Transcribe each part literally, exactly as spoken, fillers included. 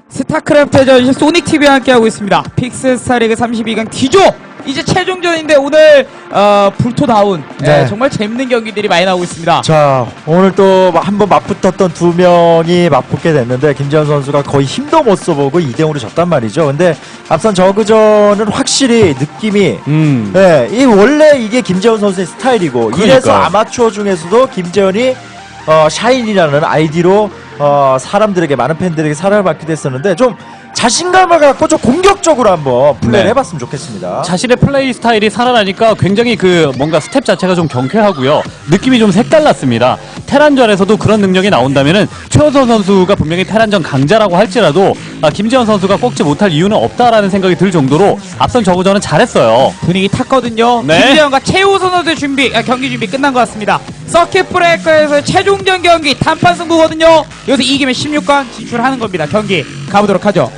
스타크래프트 전시 소닉티비와 함께하고 있습니다. 픽스스타리그 삼십이 강 D조! 이제 최종전인데 오늘 어, 불토다운 네. 예, 정말 재밌는 경기들이 많이 나오고 있습니다. 자, 오늘 또 한번 맞붙었던 두 명이 맞붙게 됐는데 김재현 선수가 거의 힘도 못 써보고 이 대 영으로 졌단 말이죠. 근데 앞선 저그전은 확실히 느낌이 음. 네, 이 원래 이게 김재현 선수의 스타일이고 그러니까요. 이래서 아마추어 중에서도 김재현이 어, 샤인이라는 아이디로 어, 사람들에게 많은 팬들에게 사랑을 받게 됐었는데 좀 자신감을 갖고 좀 공격적으로 한번 플레이를 네. 해봤으면 좋겠습니다. 자신의 플레이 스타일이 살아나니까 굉장히 그 뭔가 스텝 자체가 좀 경쾌하고요. 느낌이 좀 색달랐습니다. 테란전에서도 그런 능력이 나온다면은 최호선 선수가 분명히 테란전 강자라고 할지라도 아, 김재현 선수가 꺾지 못할 이유는 없다라는 생각이 들 정도로 앞선 저그전은 잘했어요. 분위기 탔거든요. 네. 김재현과 최우선 선수의 준비, 아, 경기 준비 끝난 것 같습니다. 서킷 브레이커에서 최종전 경기 단판 승부거든요. 여기서 이기면 십육 강 진출하는 겁니다. 경기 가보도록 하죠.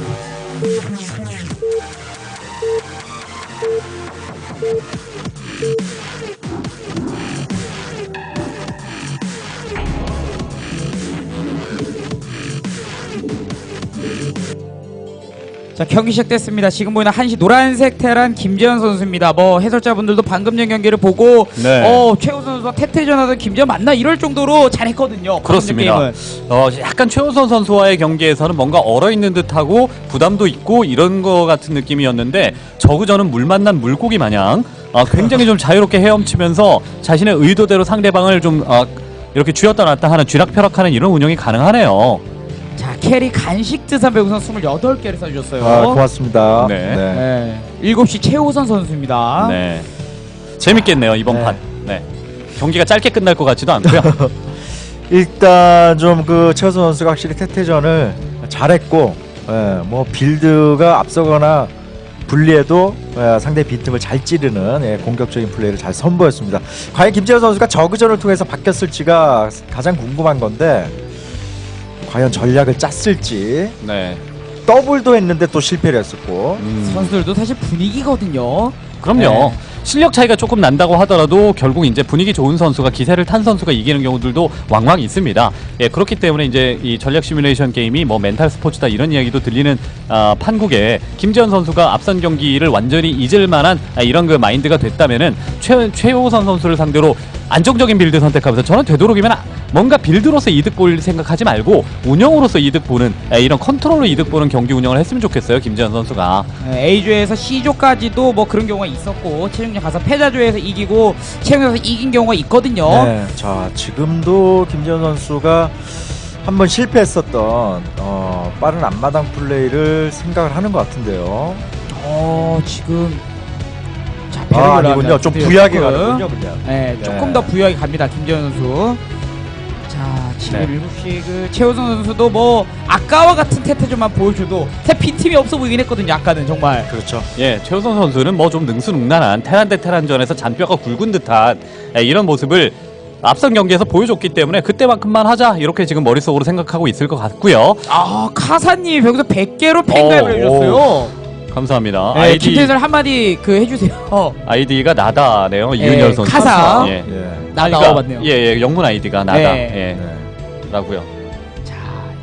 자, 경기 시작됐습니다. 지금 보이는 한시 노란색 테란 김재현 선수입니다. 뭐 해설자분들도 방금 전 경기를 보고 네. 어, 최우 선수와 태태전 하던 김재현 맞나 이럴 정도로 잘했거든요. 그렇습니다. 게임은. 어, 약간 최호선 선수와의 경기에서는 뭔가 얼어있는 듯하고 부담도 있고 이런 거 같은 느낌이었는데 저그전은 물 만난 물고기 마냥 어, 굉장히 좀 자유롭게 헤엄치면서 자신의 의도대로 상대방을 좀 어, 이렇게 쥐었다 놨다 하는 쥐락펴락하는 이런 운영이 가능하네요. 자, 캐리 간식 드산 배우선 스물여덟 개를 써주셨어요. 아, 고맙습니다. 네. 네. 일곱 시 최우선 선수입니다. 네. 재밌겠네요, 이번 네. 판. 네. 경기가 짧게 끝날 것 같지도 않고요. 일단 좀 그 최호선 선수가 확실히 태태전을 잘했고, 예, 뭐 빌드가 앞서거나 불리해도 예, 상대 빈틈을 잘 찌르는 예, 공격적인 플레이를 잘 선보였습니다. 과연 김재현 선수가 저그전을 통해서 바뀌었을지가 가장 궁금한 건데 과연 전략을 짰을지. 네. 더블도 했는데 또 실패를 했었고. 음. 선수들도 사실 분위기거든요. 그럼요. 네. 실력 차이가 조금 난다고 하더라도 결국 이제 분위기 좋은 선수가 기세를 탄 선수가 이기는 경우들도 왕왕 있습니다. 예, 그렇기 때문에 이제 이 전략 시뮬레이션 게임이 뭐 멘탈 스포츠다 이런 이야기도 들리는 아, 판국에 김재현 선수가 앞선 경기를 완전히 잊을 만한 아, 이런 그 마인드가 됐다면은 최 최호선 선수를 상대로 안정적인 빌드 선택하면서 저는 되도록이면 뭔가 빌드로서 이득 볼 생각하지 말고 운영으로서 이득 보는 아, 이런 컨트롤로 이득 보는 경기 운영을 했으면 좋겠어요, 김재현 선수가. 네, A조에서 C조까지도 뭐 그런 경우가 있었고 최종전 가서 패자조에서 이기고 최종전에서 이긴 경우가 있거든요. 네, 자 지금도 김재현 선수가 한번 실패했었던 어, 빠른 앞마당 플레이를 생각을 하는 것 같은데요. 어, 지금 자, 아, 배를 아니군요. 좀 올라가네요. 부유하게 조금. 가는군요, 그냥. 네, 네. 조금 더 부유하게 갑니다. 김재현 선수. 자, 지금 네. 일곱 시 그 최우선 선수도 뭐 아까와 같은 태태전만 보여줘도 태 빈틈이 없어 보이긴 했거든요. 아까는 정말. 그렇죠. 예, 최우선 선수는 뭐 좀 능수능란한 테란 대 테란전에서 잔뼈가 굵은 듯한 예, 이런 모습을 앞선 경기에서 보여줬기 때문에 그때만큼만 하자 이렇게 지금 머릿속으로 생각하고 있을 것 같고요. 아, 카사님이 여기서 백 개로 팬가입을 어, 해줬어요. 감사합니다. 네, 아이디 김태선 한마디 그 해주세요. 아이디가 나다네요. 이윤열 선수. 카사. 예. 예. 나 그러니까, 나와봤네요. 예, 예, 영문 아이디가 나다. 네. 예. 네. 라고요. 자,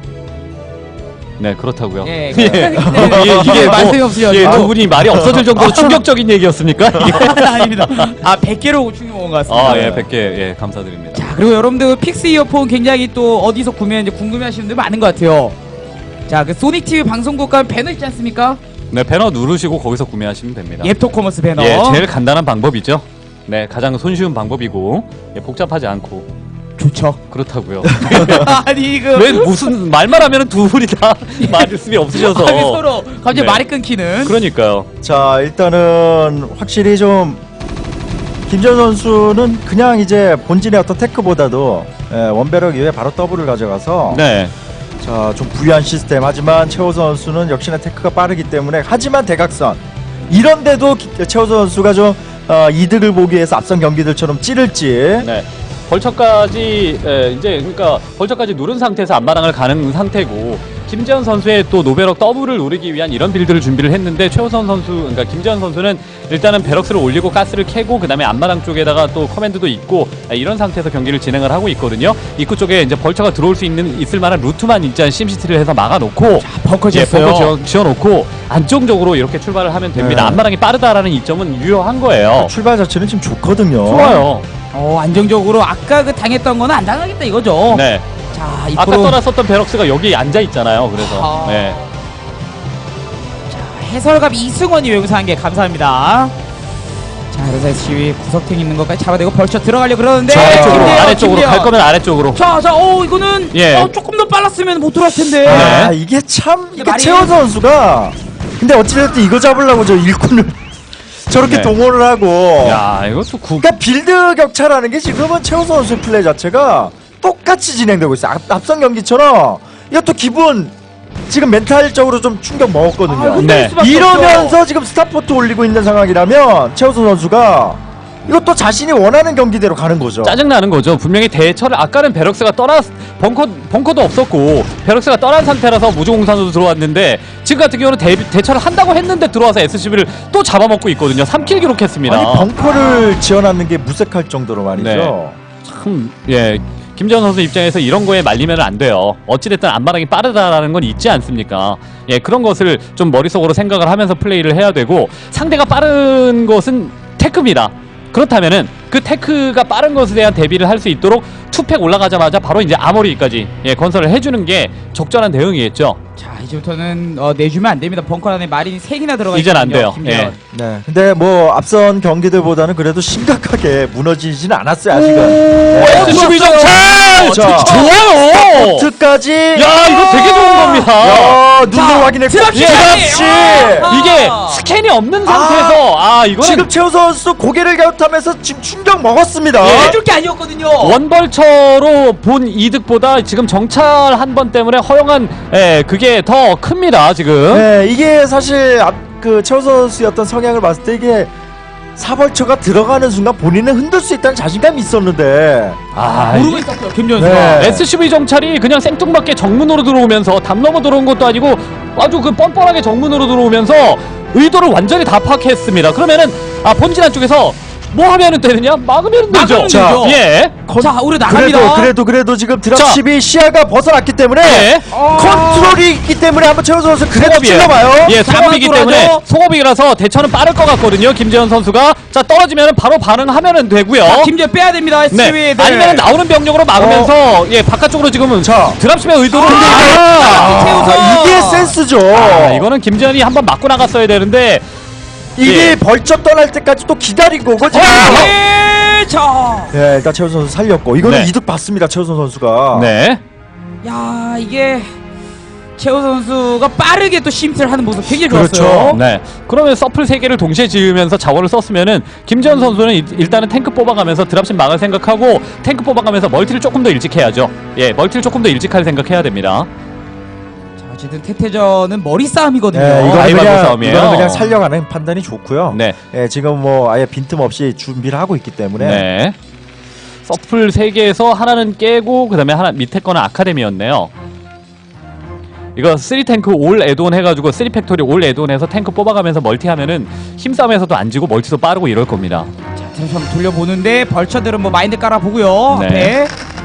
네, 그렇다고요. 예, 예. 네. 이게, 이게 뭐, 말씀이 없으셔. 예, 두 분이 말이 없어질 정도로 충격적인 얘기였습니까? 이게? 아닙니다. 아, 백 개로 충격 먹은 것 같습니다. 아, 예, 백 개, 예, 감사드립니다. 자, 그리고 여러분들 픽스 이어폰 굉장히 또 어디서 구매하는지 궁금해하시는 분들 많은 것 같아요. 자, 그 소닉티비 방송국 가면 배너 있지 않습니까? 네, 배너 누르시고 거기서 구매하시면 됩니다. 옙토커머스 배너. 예, 제일 간단한 방법이죠. 네, 가장 손쉬운 방법이고 예, 복잡하지 않고 좋죠. 그렇다고요. 아니 이거 왜 무슨 말만 하면 두 분이 다 말씀이 없으셔서 아니, 서로 갑자기 네. 말이 끊기는. 그러니까요. 자 일단은 확실히 좀 김재현 선수는 그냥 이제 본진의 어떤 테크보다도 예, 원배럭 이후에 바로 더블을 가져가서 네, 자 좀 부유한 시스템. 하지만 최호선 선수는 역시나 테크가 빠르기 때문에 하지만 대각선 이런데도 기- 최호선 선수가 좀 어, 이득을 보기 위해서 앞선 경기들처럼 찌를지. 네. 벌처까지 예, 이제 그러니까 벌처까지 누른 상태에서 앞마당을 가는 상태고 김재현 선수의 또 노베럭 더블을 노리기 위한 이런 빌드를 준비를 했는데 최우선 선수, 그러니까 김재현 선수는 일단은 베럭스를 올리고 가스를 캐고 그 다음에 앞마당 쪽에다가 또 커맨드도 있고 이런 상태에서 경기를 진행을 하고 있거든요. 입구 쪽에 이제 벌처가 들어올 수 있는 있을 만한 루트만 일단 심시티를 해서 막아놓고 벙커 예, 지었어요. 벙커 지어, 지어놓고 안정적으로 이렇게 출발을 하면 됩니다. 네. 앞마당이 빠르다라는 이점은 유효한 거예요. 출발 자체는 지금 좋거든요. 좋아요. 어, 안정적으로 아까 그 당했던 거는 안 당하겠다 이거죠. 네. 자, 아까 이프로 떠났었던 베럭스가 여기 앉아 있잖아요. 그래서 아. 네. 해설갑 이승원이 여기서 한 게 감사합니다. 자, 그래서 에스씨비 구석탱 있는 것까지 잡아내고 벌쳐 들어가려고 그러는데 저 아래쪽으로 김대현, 아래쪽으로 김대현. 갈 거면 아래쪽으로. 자, 자, 어 이거는 예. 어, 조금 더 빨랐으면 못 들어왔을 텐데. 아 네. 이게 참 이게 말이- 최원 선수가 근데 어찌됐든 이거 잡으려고 저 일꾼을 저렇게 네. 동원을 하고 야, 이것도 구. 그러니까 빌드 격차라는 게 지금은 최원 선수의 플레이 자체가 똑같이 진행되고 있어요. 앞, 앞선 경기처럼 이것도 기분 지금 멘탈적으로 좀 충격 먹었거든요. 아, 흔들릴 네. 수밖에 이러면서 없죠. 지금 스타포트 올리고 있는 상황이라면 최우선 선수가 이것도 자신이 원하는 경기대로 가는 거죠. 짜증나는 거죠. 분명히 대처를 아까는 베럭스가 떠나 벙커 벙커도 없었고 베럭스가 떠난 상태라서 무주공산으로 들어왔는데 지금 같은 경우는 대, 대처를 한다고 했는데 들어와서 에스씨비를 또 잡아먹고 있거든요. 삼 킬 기록했습니다. 아니 벙커를 지어놨는 게 무색할 정도로 말이죠. 네. 참, 예. 김재현 선수 입장에서 이런 거에 말리면 안 돼요. 어찌됐든 앞마당이 빠르다라는 건 있지 않습니까? 예, 그런 것을 좀 머릿속으로 생각을 하면서 플레이를 해야 되고 상대가 빠른 것은 테크입니다. 그렇다면은 그 테크가 빠른 것에 대한 대비를 할 수 있도록 투팩 올라가자마자 바로 이제 아머리까지 예, 건설을 해주는 게 적절한 대응이겠죠. 자, 이제부터는 어, 내주면 안 됩니다. 벙커 안에 마린이 세 개나 들어가 이젠 안 있거든요, 돼요. 김재현. 예. 네. 근데 뭐 앞선 경기들보다는 그래도 심각하게 무너지지는 않았어요 아직은. 네. 에스씨비 정찰! 자, 좋아요! 스타포트까지. 야, 이거 되게 좋은 겁니다. 야, 눈으로 자, 확인했고. 드랍시! 드랍시! 아! 이게 스캔이 없는 상태에서 아, 이거는 지금 최우 선수 고개를 갸웃하면서 지금 충격 먹었습니다. 예. 해줄 게 아니었거든요. 원벌처로 본 이득보다 지금 정찰 한 번 때문에 허용한 예, 그게 더 큽니다 지금. 네, 이게 사실 앞, 그 최우 선수였던 성향을 봤을 때 이게 사벌처가 들어가는 순간 본인은 흔들 수 있다는 자신감이 있었는데 아, 모르고 이게 있었어요, 김재현 선수가. 네. 에스씨비 정찰이 그냥 생뚱맞게 정문으로 들어오면서 담 넘어 들어온 것도 아니고 아주 그 뻔뻔하게 정문으로 들어오면서 의도를 완전히 다 파악했습니다. 그러면은 아 본진 안쪽에서 뭐 하면은 되느냐? 막으면 되죠. 막으면 자, 되죠. 예. 컨- 자, 우리 나갑니다. 그래도 그래도 그래도 지금 드랍십이 시야가 벗어났기 때문에 예. 컨트롤이 있기 때문에 한번 최우 선수 그래도 송업이에요. 찔러봐요. 예, 송업이기 가만 때문에 돌아줘. 송업이라서 대처는 빠를 것 같거든요. 김재현 선수가 자 떨어지면 바로 반응하면 되고요. 자, 김재현 빼야 됩니다. 에스씨비. 네. 아니면 나오는 병력으로 막으면서 예 바깥쪽으로 지금은 자. 드랍십의 의도를 아, 아, 태우서. 아, 이게 센스죠. 아, 이거는 김재현이 한번 맞고 나갔어야 되는데 이게 예. 벌쩍 떠날 때까지 또 기다린 거고 지금. 예, 자. 네, 일단 최우 선수 살렸고 이거는 네. 이득 봤습니다. 최우 선수가. 네. 야, 이게 최우 선수가 빠르게 또 심스를 하는 모습 굉장히 그렇죠. 좋았어요. 네. 그러면 서플 세 개를 동시에 지으면서 자원을 썼으면은 김재현 선수는 일- 일단은 탱크 뽑아가면서 드랍십 막을 생각하고 탱크 뽑아가면서 멀티를 조금 더 일찍 해야죠. 예, 멀티를 조금 더 일찍 할 생각해야 됩니다. 자, 어쨌든 태태전은 머리 싸움이거든요. 네, 이거는 라이벌 그냥, 싸움이에요. 이거는 그냥 살려가는 판단이 좋고요. 네. 예, 지금 뭐 아예 빈틈없이 준비를 하고 있기 때문에 네. 서플 세 개에서 하나는 깨고 그다음에 하나 밑에 거는 아카데미였네요. 이거 쓰리 탱크 올 애드온 해가지고 쓰리 팩토리 올 애드온 해서 탱크 뽑아가면서 멀티하면은 힘싸움에서도 안 지고 멀티도 빠르고 이럴 겁니다. 자, 다시 한번 돌려보는데 벌처들은 뭐 마인드 깔아보고요. 네. 앞에.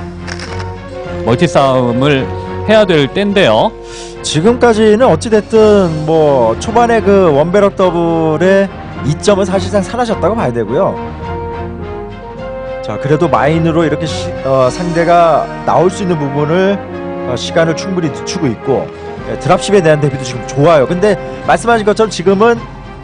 멀티 싸움을 해야 될 때인데요. 지금까지는 어찌됐든 뭐 초반에 그 원베럭 더블의 이점은 사실상 사라졌다고 봐야 되고요. 자, 그래도 마인으로 이렇게 시, 어, 상대가 나올 수 있는 부분을 어, 시간을 충분히 늦추고 있고 예, 드랍십에 대한 대비도 지금 좋아요. 근데 말씀하신 것처럼 지금은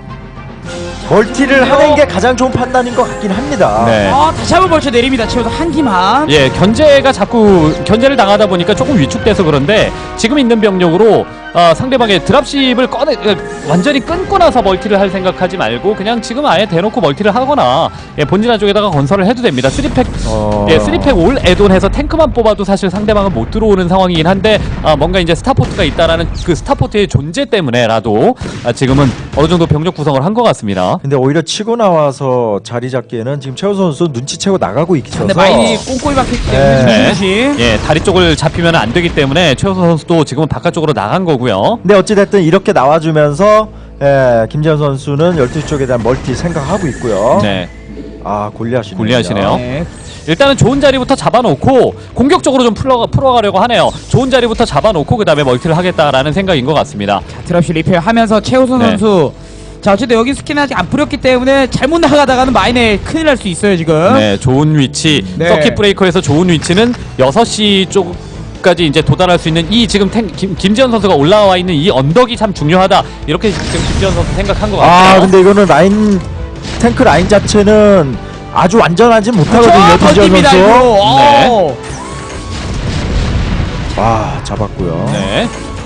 멀티를 하는 게 가장 좋은 판단인 것 같긴 합니다. 네. 아, 다시 한번 벌쳐 내립니다. 최우서 한 기만. 예, 견제가 자꾸 견제를 당하다 보니까 조금 위축돼서 그런데 지금 있는 병력으로 어, 상대방의 드랍십을 꺼내 어, 완전히 끊고 나서 멀티를 할 생각하지 말고 그냥 지금 아예 대놓고 멀티를 하거나 예, 본진화 쪽에다가 건설을 해도 됩니다. 쓰리팩 어... 예, 쓰리팩 올 애돈해서 탱크만 뽑아도 사실 상대방은 못 들어오는 상황이긴 한데 아, 뭔가 이제 스타포트가 있다라는 그 스타포트의 존재 때문에라도 아, 지금은 어느 정도 병력 구성을 한 것 같습니다. 근데 오히려 치고 나와서 자리 잡기에는 지금 최우 선수 눈치채고 나가고 있어서 근데 마인이 꼼꼼히 박혔기 때문에 네. 조심. 예, 다리 쪽을 잡히면 안 되기 때문에 최우선 선수도 지금은 바깥쪽으로 나간 거고요. 근데 어찌됐든 이렇게 나와주면서 예, 김재현 선수는 열두 시 쪽에 대한 멀티 생각하고 있고요. 네, 아 골리앗이네요. 골리앗이네요. 네. 일단은 좋은 자리부터 잡아놓고 공격적으로 좀 풀어, 풀어가려고 하네요. 좋은 자리부터 잡아놓고 그 다음에 멀티를 하겠다라는 생각인 것 같습니다. 자, 드랍시 리페어하면서 최우선 네. 선수. 자, 어쨌든 여기 스킨 아직 안 뿌렸기 때문에 잘못 나가다가는 마인에 큰일 날 수 있어요 지금. 네, 좋은 위치. 네. 서킷 브레이커에서 좋은 위치는 여섯 시 쪽까지 이제 도달할 수 있는 이 지금 탱, 김, 김지현 선수가 올라와 있는 이 언덕이 참 중요하다. 이렇게 지금 김지현 선수 생각한 것 같아요. 아 근데 이거는 라인 탱크 라인 자체는 아주 완전하지 못하거든요. 저 김재현 던집니다 선수. 이거. 네. 오. 아 잡았고요. 네.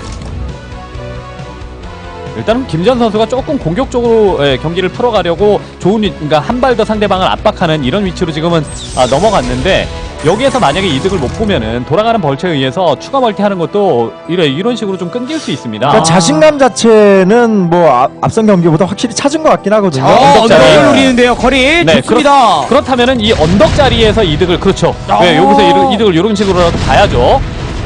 일단은 김지현 선수가 조금 공격적으로 예, 경기를 풀어가려고 좋은 위, 그러니까 한 발 더 상대방을 압박하는 이런 위치로 지금은 아, 넘어갔는데 여기에서 만약에 이득을 못 보면은 돌아가는 벌처에 의해서 추가 멀티하는 것도 이래 이런 식으로 좀 끊길 수 있습니다. 그러니까 자신감 자체는 뭐 앞, 앞선 경기보다 확실히 찾은 것 같긴 하거든요. 어, 언덕 언덕을 자리. 노리는데요. 거리 네, 좋습니다. 그렇다면은 이 언덕 자리에서 이득을 그렇죠. 어. 네, 여기서 이득, 이득을 이런 식으로라도 봐야죠.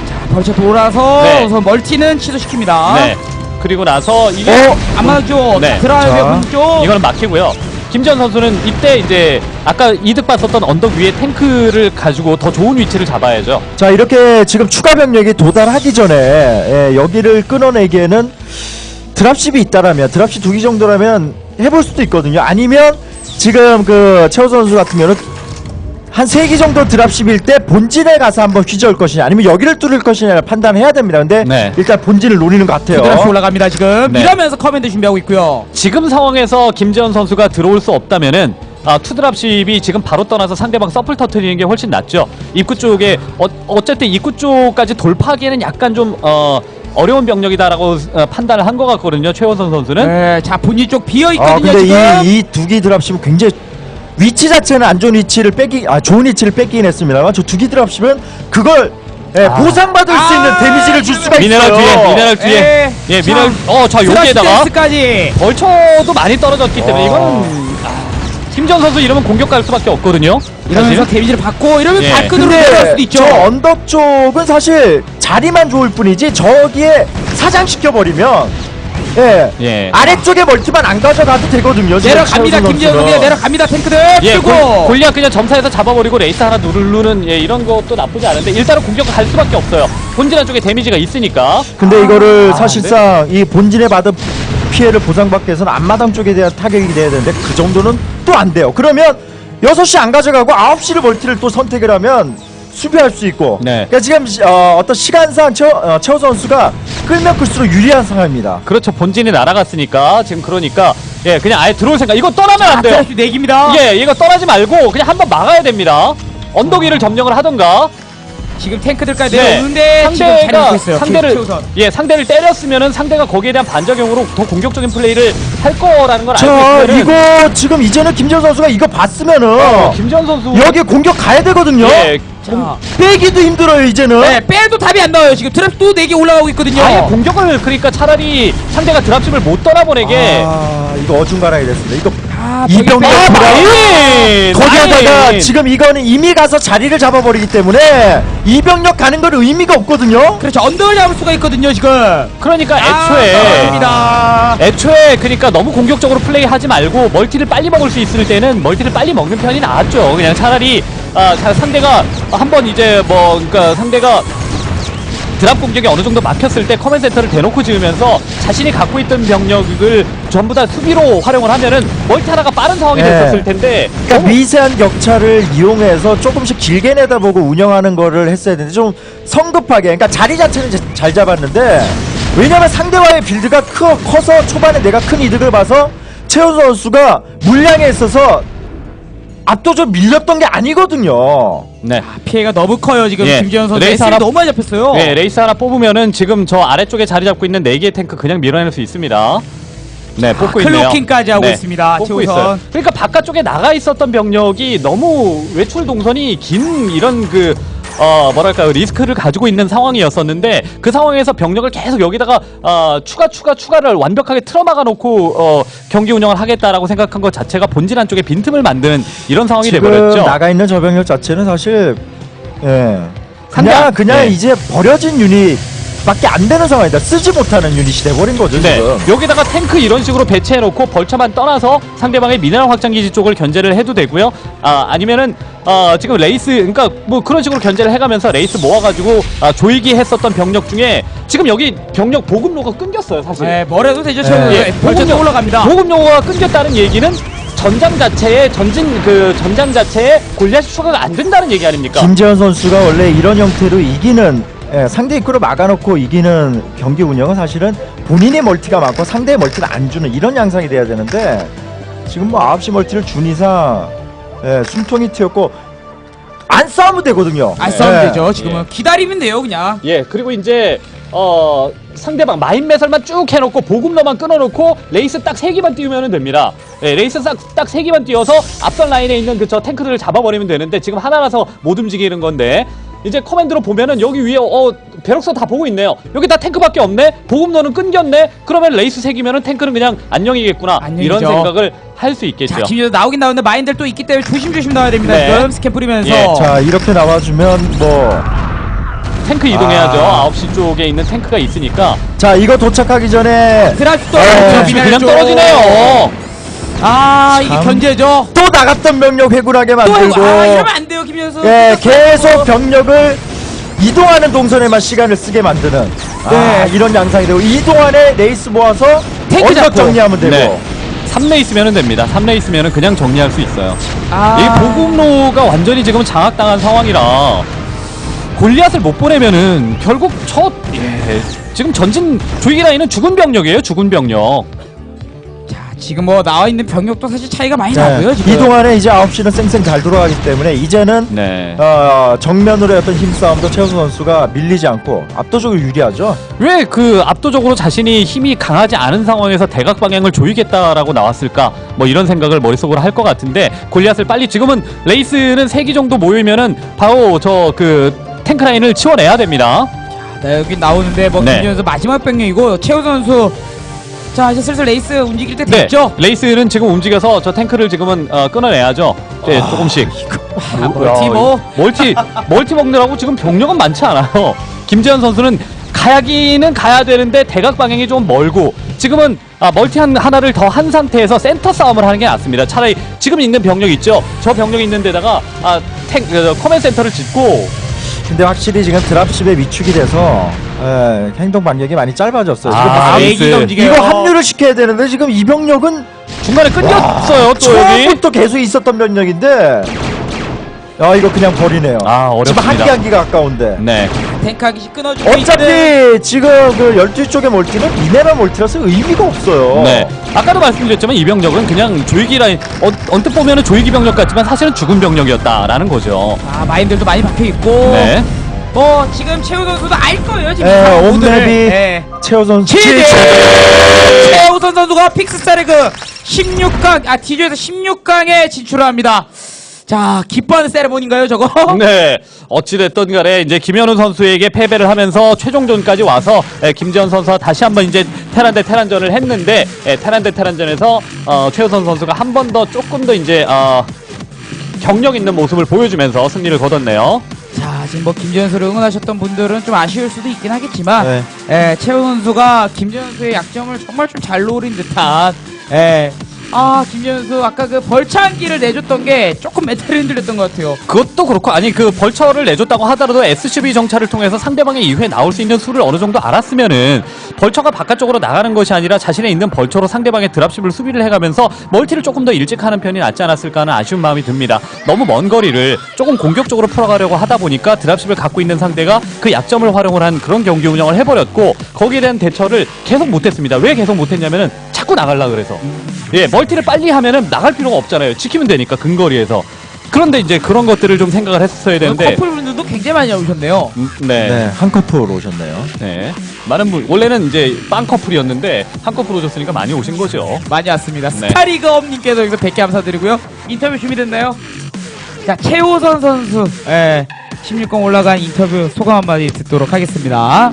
벌써 돌아서 네. 우선 멀티는 취소시킵니다. 네. 그리고 나서 이게 어? 안 맞죠? 네. 드라이브 자. 문쪽. 이거는 막히고요. 김지현 선수는 이때 이제 아까 이득 봤었던 언덕 위에 탱크를 가지고 더 좋은 위치를 잡아야죠. 자 이렇게 지금 추가 병력이 도달하기 전에 예, 여기를 끊어내기에는 드랍십이 있다라면 드랍십 두 기 정도라면 해볼 수도 있거든요. 아니면 지금 그 최호 선수 같은 경우는 한 세 기 정도 드랍십일 때 본진에 가서 한번 휘저을 것이냐 아니면 여기를 뚫을 것이냐를 판단해야 됩니다. 근데 네. 일단 본진을 노리는 것 같아요. 드랍시 올라갑니다 지금. 네. 이러면서 커맨드 준비하고 있고요. 지금 상황에서 김지현 선수가 들어올 수 없다면은 아, 투드랍십이 지금 바로 떠나서 상대방 서플 터트리는 게 훨씬 낫죠. 입구 쪽에 어, 어쨌든 입구 쪽까지 돌파하기에는 약간 좀 어, 어려운 병력이다라고 어, 판단을 한 것 같거든요. 최원선 선수는. 네, 자 본인 쪽 비어 아 있거든요 근데 지금. 이 이 두 기 드랍십은 굉장히 위치 자체는 안 좋은 위치를 뺏기 아 좋은 위치를 뺏기긴 했습니다만 저 두 기 드랍십은 그걸 예, 아. 보상받을 수 있는 아, 데미지를 줄 수가 미네랄 있어요. 뒤에, 미네랄 뒤에. 에, 예, 자, 미네랄. 어, 자 여기에다가 까지. 벌처도 많이 떨어졌기 때문에 와. 이거는 아, 김지현 선수 이러면 공격 갈 수밖에 없거든요. 이러면서 사실. 데미지를 받고 이러면 예. 다크드로 내려갈 근데 수도 있죠. 저 언덕 쪽은 사실 자리만 좋을 뿐이지 저기에 사장시켜 버리면 예, 예. 아래쪽에 멀티만 안 가져가도 되거든요. 지금 내려갑니다 최우선 김지현 선수는. 선수가 내려갑니다 탱크들. 예, 쓰고. 골, 골리앗 그냥 점사해서 잡아버리고 레이스 하나 누르는 예, 이런 것도 나쁘지 않은데 일단은 공격을 갈 수밖에 없어요. 본진한 쪽에 데미지가 있으니까. 근데 이거를 아, 사실상 이 본진에 받은 피해를 보상받기 위해서는 앞마당 쪽에 대한 타격이 돼야 되는데 그 정도는 또 안 돼요. 그러면 여섯 시 안 가져가고 아홉 시를 멀티를 또 선택을 하면 수비할 수 있고 네. 그러니까 지금 어, 어떤 시간상 최, 어, 최호 선수가 끌면 끌수록 유리한 상황입니다. 그렇죠. 본진이 날아갔으니까 지금 그러니까 예, 그냥 아예 들어올 생각. 이거 떠나면 안 돼요. 드랍시 내기입니다. 예, 이거 떠나지 말고 그냥 한번 막아야 됩니다. 언덕 위를 점령을 하던가. 지금 탱크들까지 네. 내려오는데 지금 잘 상대가 먹고 있어요. 상대를 최우선. 예 상대를 때렸으면은 상대가 거기에 대한 반작용으로 더 공격적인 플레이를 할 거라는 걸 알고 자 있으면은 이거 지금 이제는 김재현 선수가 이거 봤으면은 어, 김지현 선수 여기 공격 가야 되거든요. 예, 자, 빼기도 힘들어요 이제는. 네, 빼도 답이 안 나와요. 지금 드랍 또 네 개 올라가고 있거든요. 아예 공격을 그러니까 차라리 상대가 드랍십을 못 떠나보내게 아 이거 어중간하게 됐습니다. 이거 아, 이병렬 아, 돌아- 마인! 거기에다가 마인! 지금 이거는 이미 가서 자리를 잡아버리기 때문에 이병력 가는 건 의미가 없거든요. 그렇죠. 언덕을 잡을 수가 있거든요 지금. 그러니까 아, 애초에 떨어집니다. 애초에 그러니까 너무 공격적으로 플레이하지 말고 멀티를 빨리 먹을 수 있을 때는 멀티를 빨리 먹는 편이 나았죠. 그냥 차라리 아, 자, 상대가 한번 이제 뭐 그러니까 상대가 드랍 공격이 어느 정도 막혔을 때 커맨 센터를 대놓고 지으면서 자신이 갖고 있던 병력을 전부 다 수비로 활용을 하면은 멀티 하나가 빠른 상황이 네. 됐었을 텐데 그러니까 너무 미세한 격차를 이용해서 조금씩 길게 내다보고 운영하는 거를 했어야 되는데 좀 성급하게 그러니까 자리 자체는 이제 잘 잡았는데 왜냐면 상대와의 빌드가 커, 커서 초반에 내가 큰 이득을 봐서 최우 선수가 물량에 있어서 압도적 밀렸던 게 아니거든요. 네. 피해가 너무 커요 지금 예. 김재현 선수. 레이스 에스엘이 하나- 너무 많이 잡혔어요. 네, 레이스 하나 뽑으면은 지금 저 아래쪽에 자리 잡고 있는 네 개의 탱크 그냥 밀어낼 수 있습니다. 네, 뽑고 있네요. 클로킹까지 하고 네, 있습니다. 뽑고 최우선. 있어요. 그러니까 바깥쪽에 나가 있었던 병력이 너무 외출 동선이 긴 이런 그 어 뭐랄까요 리스크를 가지고 있는 상황이었었는데 그 상황에서 병력을 계속 여기다가 어, 추가 추가 추가를 완벽하게 틀어막아 놓고 어, 경기 운영을 하겠다라고 생각한 것 자체가 본질 안쪽에 빈틈을 만드는 이런 상황이 지금 돼버렸죠. 나가 있는 저 병력 자체는 사실 예 상대 그냥 안- 그냥 네. 이제 버려진 유닛밖에 안 되는 상황이다. 쓰지 못하는 유닛이 돼버린 거죠 네, 지금. 여기다가 탱크 이런 식으로 배치해놓고 벌처만 떠나서 상대방의 미네랄 확장기지 쪽을 견제를 해도 되고요. 아 아니면은 어, 지금 레이스 그러니까 뭐 그런 식으로 견제를 해가면서 레이스 모아가지고 아, 조이기 했었던 병력 중에 지금 여기 병력 보급로가 끊겼어요 사실. 네, 뭐래도 되죠. 네. 최우선. 예, 벌써 보급로- 올라갑니다. 보급로가 끊겼다는 얘기는 전장 자체에 전진 그 전장 자체에 골리앗이 추가가 안 된다는 얘기 아닙니까? 김재현 선수가 원래 이런 형태로 이기는 예, 상대 입구를 막아놓고 이기는 경기 운영은 사실은 본인의 멀티가 많고 상대의 멀티를 안 주는 이런 양상이 돼야 되는데 지금 뭐 아홉 시 멀티를 준 이상 예, 숨통이 트였고 안 싸우면 되거든요. 안 싸우면 예. 되죠. 지금은 기다리면 돼요 그냥. 예, 그리고 이제 어 상대방 마인 매설만 쭉 해놓고 보급로만 끊어놓고 레이스 딱 세 개만 띄우면 됩니다. 예, 레이스 딱 세 개만 띄워서 앞선 라인에 있는 그 저 탱크들을 잡아버리면 되는데 지금 하나라서 못 움직이는 건데 이제 커맨드로 보면은 여기 위에 어 배럭서 다 보고 있네요. 여기 다 탱크밖에 없네. 보급로는 끊겼네. 그러면 레이스 세 개면은 탱크는 그냥 안녕이겠구나. 안녕이죠. 이런 생각을 할 수 있겠죠. 자, 김재현 나오긴 나오는데 마인들 또 있기 때문에 조심조심 나와야 됩니다. 네. 지금 스캔 뿌리면서. 예, 자 이렇게 나와주면 뭐 탱크 이동해야죠. 아. 아홉 시 쪽에 있는 탱크가 있으니까. 자 이거 도착하기 전에 드랍도 네. 그냥 떨어지네요. 아 이게 참. 견제죠. 또 나갔던 병력 회군하게 또 만들고 아 이러면 안 돼요 김재현 선수. 예, 계속 병력을 이동하는 동선에만 시간을 쓰게 만드는 아, 네. 이런 양상이 되고 이동 안에 레이스 모아서 탱크 언덕 잡고. 정리하면 되고 네. 삼 레 있으면 됩니다. 삼 레 있으면 그냥 정리할 수 있어요. 아. 이 보급로가 완전히 지금 장악당한 상황이라 골리앗을 못 보내면은 결국 첫 예, 지금 전진 조이기 라인은 죽은 병력이에요. 죽은 병력. 자 지금 뭐 나와 있는 병력도 사실 차이가 많이 네, 나고요. 지금. 이동 안에 이제 아홉 시는 쌩쌩 잘 돌아가기 때문에 이제는 네. 어, 정면으로의 어떤 힘싸움도 최우수 선수가 밀리지 않고 압도적으로 유리하죠. 왜 그 압도적으로 자신이 힘이 강하지 않은 상황에서 대각 방향을 조이겠다라고 나왔을까? 뭐 이런 생각을 머릿속으로 할 것 같은데 골리앗을 빨리 지금은 레이스는 세 기 정도 모이면은 바로 저 그 탱크 라인을 치워내야 됩니다. 네, 여기 나오는데 뭐 네. 김재현 선수 마지막 병력이고 최우 선수. 자 이제 슬슬 레이스 움직일 때 네, 됐죠. 레이스는 지금 움직여서 저 탱크를 지금은 어, 끊어내야죠. 네, 조금씩. 아, 멀티 뭐. 멀티 멀티 먹느라고 지금 병력은 많지 않아요. 김재현 선수는 가야기는 가야 되는데 대각 방향이 좀 멀고 지금은 아, 멀티 한, 하나를 더 한 상태에서 센터 싸움을 하는 게 낫습니다. 차라리 지금 있는 병력 있죠. 저 병력 있는 데다가 아, 탱 어, 커맨 센터를 짓고 근데 확실히 지금 드랍십에 위축이 돼서 예, 행동 반격이 많이 짧아졌어요. 아, 지금 막 레이스. 얘기가 움직여요. 이거 합류를 시켜야 되는데 지금 이 병력은 중간에 끊겼어요. 또 여기. 처음부터 계속 있었던 병력인데 아 이거 그냥 버리네요. 아, 지금 어렵습니다. 한기 한기가 가까운데. 네. 탱크 하기씩 끊어주고 어차피 있는. 지금 그 열두 쪽의 멀티는 미네랄 멀티라서 의미가 없어요. 네. 아까도 말씀드렸지만 이 병력은 그냥 조이기 라인 어, 언뜻 보면은 조이기 병력 같지만 사실은 죽은 병력이었다라는 거죠. 아 마인들도 많이 박혀 있고. 네. 뭐 지금 최우 선수도 알 거예요 지금. 예, 상황 모드를. 온맵이 예. 최우선 치즈! 최우선 선수가 픽스스타의 그 십육 강, 아, 디저에서 십육 강에 진출합니다. 자, 기뻐하는 세레모니인가요, 저거? 네. 어찌됐든 간에 이제 김현우 선수에게 패배를 하면서 최종전까지 와서 에, 김재현 선수와 다시 한번 이제 테란 대 테란전을 했는데 에, 테란 대 테란전에서 어, 최우선 선수가 한 번 더 조금 더 이제 어, 경력 있는 모습을 보여주면서 승리를 거뒀네요. 자, 지금 뭐 김재현 선수를 응원하셨던 분들은 좀 아쉬울 수도 있긴 하겠지만, 네. 예, 최우 선수가 김재현 선수의 약점을 정말 좀 잘 노린 듯한, 예. 아, 김재현 선수 아까 그 벌창기를 내줬던 게 조금 멘탈을 흔들렸던 것 같아요. 그것도 그렇고 아니 그 벌처를 내줬다고 하더라도 에스씨비 정찰을 통해서 상대방의 이후에 나올 수 있는 수를 어느 정도 알았으면은 벌처가 바깥쪽으로 나가는 것이 아니라 자신의 있는 벌처로 상대방의 드랍십을 수비를 해가면서 멀티를 조금 더 일찍 하는 편이 낫지 않았을까 하는 아쉬운 마음이 듭니다. 너무 먼 거리를 조금 공격적으로 풀어가려고 하다 보니까 드랍십을 갖고 있는 상대가 그 약점을 활용을 한 그런 경기 운영을 해버렸고 거기에 대한 대처를 계속 못했습니다. 왜 계속 못했냐면은 자꾸 나가려 그래서 예 멀티를 빨리 하면은 나갈 필요가 없잖아요. 지키면 되니까 근거리에서 그런데 이제 그런 것들을 좀 생각을 했었어야 되는데 커플분들도 굉장히 많이 오셨네요. 음, 네. 네, 한 커플 오셨네요. 네. 많은 분 원래는 이제 빵 커플이었는데 한 커플 오셨으니까 많이 오신 거죠. 많이 왔습니다. 네. 스타리그업님께서 여기서 백 개 감사드리고요. 인터뷰 준비됐나요? 자, 최호선 선수, 예, 십육 강 올라간 인터뷰 소감 한마디 듣도록 하겠습니다.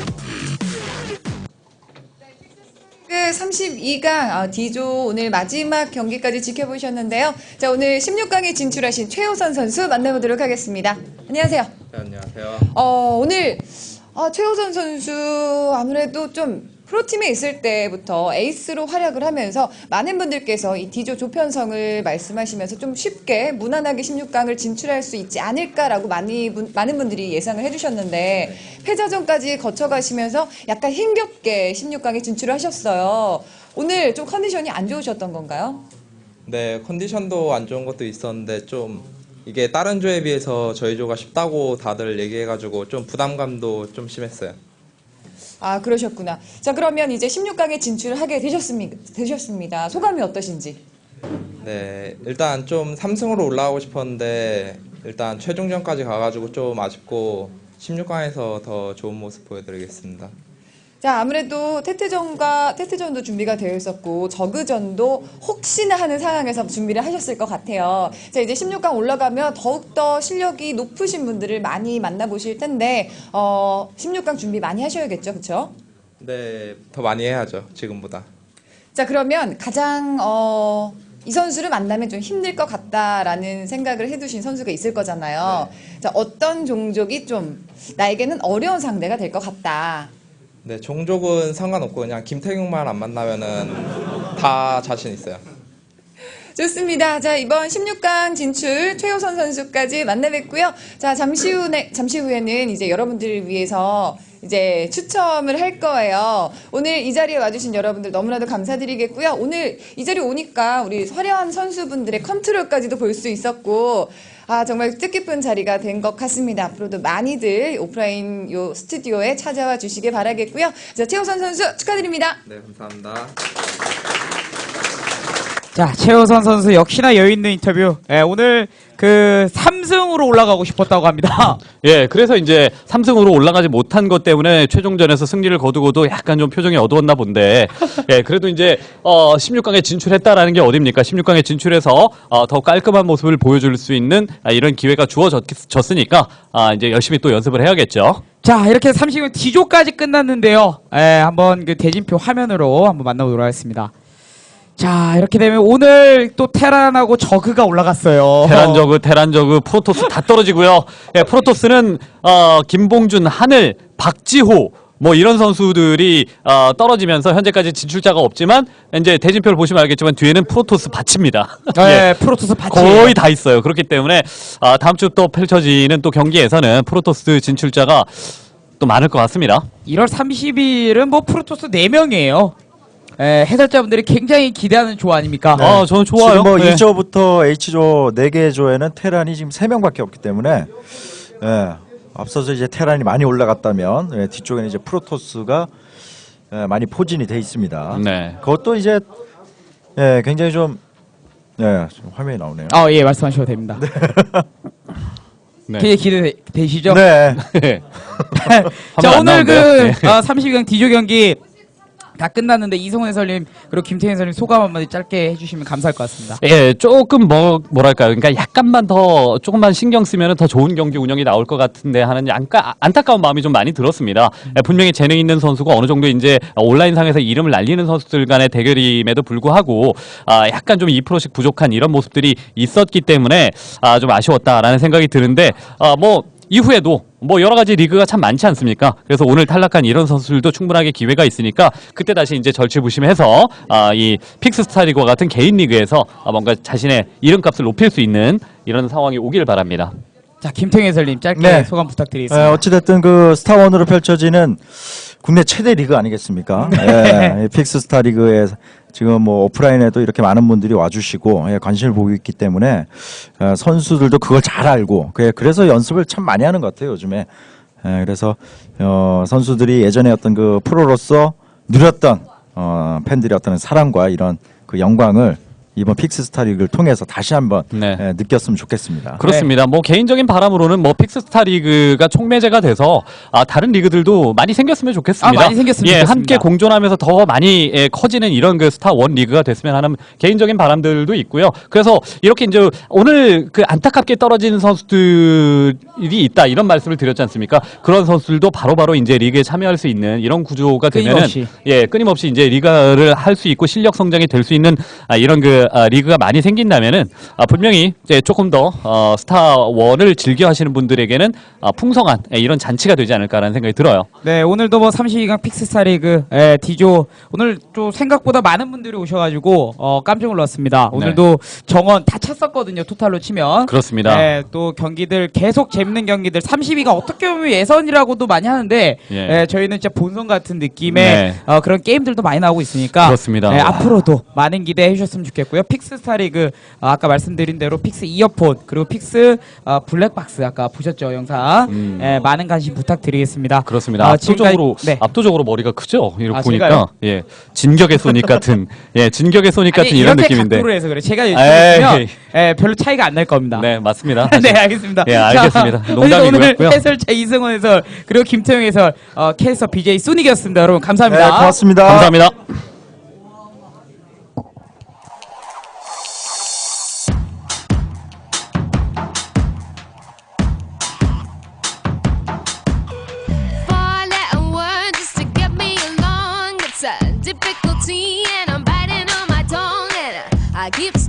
그 삼십이 강 어, D조 오늘 마지막 경기까지 지켜보셨는데요. 자, 오늘 십육 강에 진출하신 최호선 선수 만나보도록 하겠습니다. 안녕하세요. 네, 안녕하세요. 어, 오늘 아, 최호선 선수 아무래도 좀 프로팀에 있을 때부터 에이스로 활약을 하면서 많은 분들께서 이 D조 조편성을 말씀하시면서 좀 쉽게 무난하게 십육 강을 진출할 수 있지 않을까라고 많이 분, 많은 분들이 예상을 해주셨는데 패자전까지 거쳐가시면서 약간 힘겹게 십육 강에 진출을 하셨어요. 오늘 좀 컨디션이 안 좋으셨던 건가요? 네, 컨디션도 안 좋은 것도 있었는데 좀 이게 다른 조에 비해서 저희 조가 쉽다고 다들 얘기해가지고 좀 부담감도 좀 심했어요. 아, 그러셨구나. 자, 그러면 이제 십육 강에 진출하게 되셨습니다. 되셨습니다. 소감이 어떠신지? 네, 일단 좀 삼 승으로 올라가고 싶었는데 일단 최종전까지 가가지고 좀 아쉽고 십육 강에서 더 좋은 모습 보여드리겠습니다. 자, 아무래도 태태전과 태태전도 준비가 되어 있었고 저그전도 혹시나 하는 상황에서 준비를 하셨을 것 같아요. 자, 이제 십육 강 올라가면 더욱더 실력이 높으신 분들을 많이 만나보실 텐데 어, 십육 강 준비 많이 하셔야겠죠, 그렇죠? 네, 더 많이 해야죠, 지금보다. 자, 그러면 가장 어, 이 선수를 만나면 좀 힘들 것 같다라는 생각을 해두신 선수가 있을 거잖아요. 네. 자, 어떤 종족이 좀 나에게는 어려운 상대가 될 것 같다. 네, 종족은 상관없고 그냥 김태경만 안 만나면은 다 자신 있어요. 좋습니다. 자, 이번 십육 강 진출 최호선 선수까지 만나뵙고요. 자, 잠시 후에, 잠시 후에는 이제 여러분들을 위해서 이제 추첨을 할 거예요. 오늘 이 자리에 와주신 여러분들 너무나도 감사드리겠고요. 오늘 이 자리에 오니까 우리 화려한 선수분들의 컨트롤까지도 볼 수 있었고, 아, 정말 뜻깊은 자리가 된 것 같습니다. 앞으로도 많이들 오프라인 요 스튜디오에 찾아와 주시길 바라겠고요. 자, 최호선 선수 축하드립니다. 네, 감사합니다. 자, 최호선 선수 역시나 여유있는 인터뷰. 예, 오늘 그 삼 승으로 올라가고 싶었다고 합니다. 예, 그래서 이제 삼 승으로 올라가지 못한 것 때문에 최종전에서 승리를 거두고도 약간 좀 표정이 어두웠나 본데, 예, 그래도 이제 어, 십육 강에 진출했다라는 게 어딥니까? 십육 강에 진출해서 어, 더 깔끔한 모습을 보여줄 수 있는 아, 이런 기회가 주어졌으니까 아, 이제 열심히 또 연습을 해야겠죠. 자, 이렇게 삼십 강 D조까지 끝났는데요. 예, 한번 그 대진표 화면으로 한번 만나보도록 하겠습니다. 자, 이렇게 되면 오늘 또 테란하고 저그가 올라갔어요. 테란 저그, 테란 저그, 프로토스 다 떨어지고요. 예, 프로토스는 어, 김봉준, 하늘, 박지호 뭐 이런 선수들이 어, 떨어지면서 현재까지 진출자가 없지만 이제 대진표를 보시면 알겠지만 뒤에는 프로토스 밭입니다. 네, 프로토스 밭이 거의 다 있어요. 그렇기 때문에 아, 다음 주 또 펼쳐지는 또 경기에서는 프로토스 진출자가 또 많을 것 같습니다. 일월 삼십일은 뭐 프로토스 네 명이에요. 예, 해설자분들이 굉장히 기대하는 조 아닙니까? 네. 아, 저는 좋아요. 지금 뭐 네. 이 조부터 H조 네 개 조에는 테란이 지금 세 명밖에 없기 때문에 예, 앞서서 이제 테란이 많이 올라갔다면 예, 뒤쪽에는 이제 프로토스가 예, 많이 포진이 돼 있습니다. 네. 그것도 이제 예, 굉장히 좀 예, 좀 화면이 나오네요. 아, 예, 말씀하셔도 됩니다. 네. 굉장히 기대되시죠? 네. 자, 화면 안 오늘 그 나오는데요? 네. 어, 삼십 강 D조 경기 다 끝났는데 이성훈 해설님 그리고 김태현 해설님 소감 한마디 짧게 해주시면 감사할 것 같습니다. 예, 조금 뭐 뭐랄까요, 그러니까 약간만 더 조금만 신경 쓰면 더 좋은 경기 운영이 나올 것 같은데 하는 안까, 안타까운 마음이 좀 많이 들었습니다. 예, 분명히 재능 있는 선수가 어느 정도 이제 온라인상에서 이름을 날리는 선수들 간의 대결임에도 불구하고 아, 약간 좀 이 퍼센트씩 부족한 이런 모습들이 있었기 때문에 아, 좀 아쉬웠다라는 생각이 드는데 아, 뭐 이후에도 뭐 여러 가지 리그가 참 많지 않습니까? 그래서 오늘 탈락한 이런 선수들도 충분하게 기회가 있으니까 그때 다시 이제 절치부심해서 아, 이 픽스스타 리그와 같은 개인 리그에서 아, 뭔가 자신의 이름값을 높일 수 있는 이런 상황이 오길 바랍니다. 자, 김태현 해설님 짧게 네. 소감 부탁드리겠습니다. 예, 어찌됐든 그 스타원으로 펼쳐지는 국내 최대 리그 아니겠습니까? 예, 이 픽스스타 리그에 지금 뭐 오프라인에도 이렇게 많은 분들이 와주시고 예, 관심을 보고 있기 때문에 어, 선수들도 그걸 잘 알고 그- 그래서 연습을 참 많이 하는 것 같아요 요즘에. 예, 그래서 어, 선수들이 예전에 어떤 그 프로로서 누렸던 어, 팬들의 어떤 사랑과 이런 그 영광을 이번 픽스스타 리그를 통해서 다시 한번 네. 예, 느꼈으면 좋겠습니다. 그렇습니다. 뭐 개인적인 바람으로는 뭐 픽스스타 리그가 촉매제가 돼서 아, 다른 리그들도 많이 생겼으면 좋겠습니다. 아, 많이 생겼으면 예, 좋겠습니다. 함께 공존하면서 더 많이 예, 커지는 이런 그 스타 원 리그가 됐으면 하는 개인적인 바람들도 있고요. 그래서 이렇게 이제 오늘 그 안타깝게 떨어지는 선수들이 있다 이런 말씀을 드렸지 않습니까? 그런 선수들도 바로바로 이제 리그에 참여할 수 있는 이런 구조가 되면은 끊임없이. 예, 끊임없이 이제 리그를 할 수 있고 실력 성장이 될 수 있는 아, 이런 그 아, 리그가 많이 생긴다면은 아, 분명히 이제 조금 더 어, 스타원을 즐겨 하시는 분들에게는 아, 풍성한 예, 이런 잔치가 되지 않을까라는 생각이 들어요. 네, 오늘도 뭐 삼십이 강 픽스스타 리그 예, D조 오늘 또 생각보다 많은 분들이 오셔가지고 어, 깜짝 놀랐습니다. 오늘도 정원 다 찼었거든요. 토탈로 치면. 그렇습니다. 예, 또 경기들 계속 재밌는 경기들 삼십이 강 어떻게 보면 예선이라고도 많이 하는데 예. 예, 저희는 진짜 본선 같은 느낌의 네. 어, 그런 게임들도 많이 나오고 있으니까 그렇습니다. 예, 앞으로도 많은 기대해 주셨으면 좋겠고요. 픽스스타 리그 어, 아까 말씀드린 대로 픽스 이어폰 그리고 픽스 어, 블랙박스 아까 보셨죠 영상 음. 예, 많은 관심 부탁드리겠습니다. 그렇습니다. 어, 압도적으로 지금까지- 네. 압도적으로 머리가 크죠. 이렇게 아, 보니까 제가요? 예, 진격의 소닉 같은 예, 진격의 소닉 같은 아니, 이런 이렇게 느낌인데. 각도로 해서 그래. 제가 에이. 유튜브면 예, 별로 차이가 안 날 겁니다. 네, 맞습니다. 네, 알겠습니다. 예, 알겠습니다. 자, 농담이고요. 오늘 해설자 이승원 해설 그리고 김태형 해설 어, 캐스터 비제이 소닉이었습니다. 여러분 감사합니다. 네, 고맙습니다. 감사합니다. Four-letter word just to get me along. It's a difficulty, and I'm biting on my tongue, and I keep